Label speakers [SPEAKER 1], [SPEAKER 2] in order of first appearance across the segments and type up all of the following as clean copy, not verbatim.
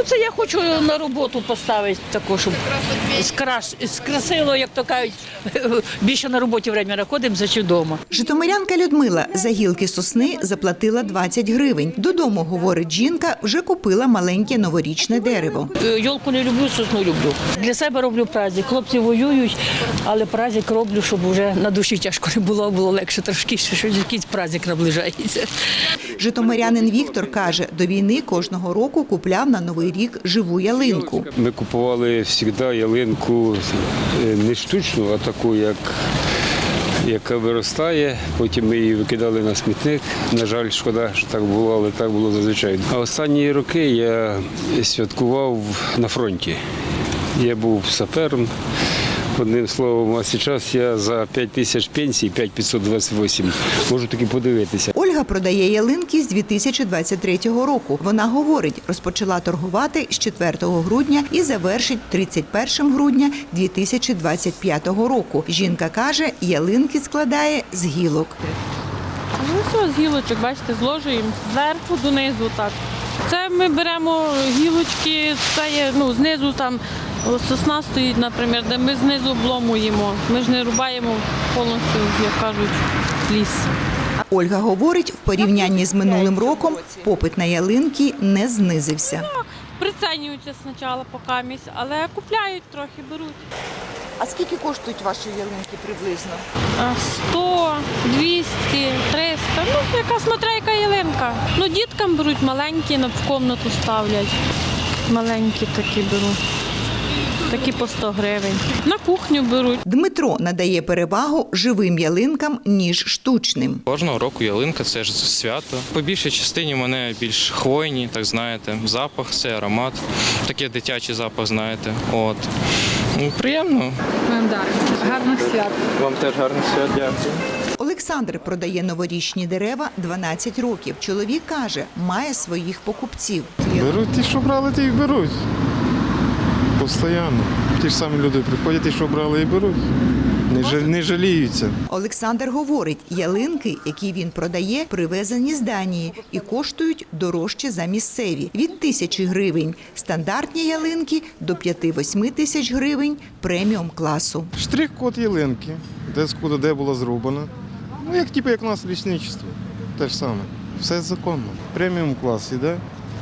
[SPEAKER 1] це я хочу на роботу поставити таку, щоб скрасило, як то кажуть, більше на роботі время знаходимо, за чи вдома.
[SPEAKER 2] Житомирянка Людмила за гілки сосни заплатила 20 гривень. Додому, говорить жінка, вже купила маленьке новорічне дерево.
[SPEAKER 1] Йолку не люблю, сосну люблю. Для себе роблю праздник. Хлопці воюють, але праздник роблю, щоб вже на душі тяжко не було, було легше трошки, що якийсь праздник наближається.
[SPEAKER 2] Житомирянин Віктор каже, до війни кожного року купляв на Новий рік живу ялинку.
[SPEAKER 3] Ми купували завжди ялинку не штучну, а таку, яка виростає. Потім ми її викидали на смітник. На жаль, шкода, що так було, але так було зазвичай. А останні роки я святкував на фронті. Я був сапером. Одним словом, а зараз я за 5 тисяч пенсій, 5528, можу таки подивитися.
[SPEAKER 2] Ольга продає ялинки з 2023 року. Вона говорить, розпочала торгувати з 4 грудня і завершить 31 грудня 2025 року. Жінка каже, ялинки складає з гілок.
[SPEAKER 4] Ну все, з гілочок, бачите, зложуємо зверху донизу так. Це ми беремо гілочки, це є, знизу там сосна стоїть, наприклад, де ми знизу обломуємо. Ми ж не рубаємо повністю, як кажуть, ліс.
[SPEAKER 2] Ольга говорить, в порівнянні з минулим роком попит на ялинки не знизився.
[SPEAKER 4] Прицінюються спочатку покамість, але купляють трохи, беруть.
[SPEAKER 2] А скільки коштують ваші ялинки приблизно?
[SPEAKER 4] 100, 200, 300, яка смотря яка ялинка. Діткам беруть маленькі, в кімнату ставлять. Маленькі такі беруть. Такі по 100 гривень. На кухню беруть.
[SPEAKER 2] Дмитро надає перевагу живим ялинкам, ніж штучним.
[SPEAKER 5] Кожного року ялинка – це ж свято. По більшій частині в мене більш хвойні, так знаєте, запах, це аромат. Такий дитячий запах, знаєте. От. Приємно.
[SPEAKER 4] Гарних свят.
[SPEAKER 5] Вам теж гарних свят, дякую.
[SPEAKER 2] Олександр продає новорічні дерева 12 років. Чоловік каже, має своїх покупців.
[SPEAKER 6] Беруть ті, що брали, ті й беруть. Постоянно. Ті ж самі люди приходять, ті, що брали, і беруть. Не жаліються.
[SPEAKER 2] Олександр говорить, ялинки, які він продає, привезені з Данії і коштують дорожче за місцеві – від 1000 гривень. Стандартні ялинки – до 5-8 тисяч гривень преміум класу.
[SPEAKER 6] Штрих-код ялинки, де була зроблена. Як у нас лісничество. Те ж саме. Все законно. Преміум клас іде.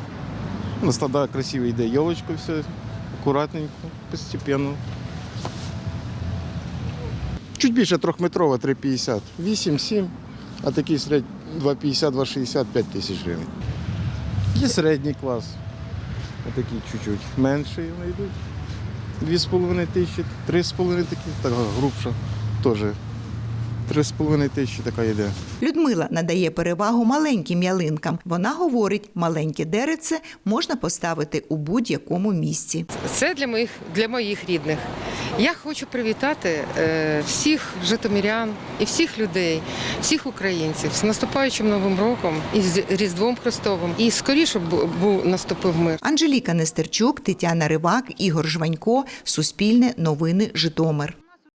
[SPEAKER 6] На стада красиво йде ялочка, все акуратненько, постепенно. Чуть більше 3-метрова, 3,50. 8-7, а такий 2,50, 2,60, 5 тисяч гривень. Є середній клас, отакий чуть-чуть менший вони йдуть. 2,5 тисячі, 3,5 такі, така грубша теж. 3,5 тисячі така йде.
[SPEAKER 2] Людмила надає перевагу маленьким ялинкам. Вона говорить, маленьке деревце можна поставити у будь-якому місці.
[SPEAKER 7] Це для моїх рідних. Я хочу привітати всіх житомирян і всіх людей, всіх українців з наступаючим Новим роком і з Різдвом Христовим. І скоріше наступив мир.
[SPEAKER 2] Анжеліка Нестерчук, Тетяна Ривак, Ігор Жванько. Суспільне новини, Житомир.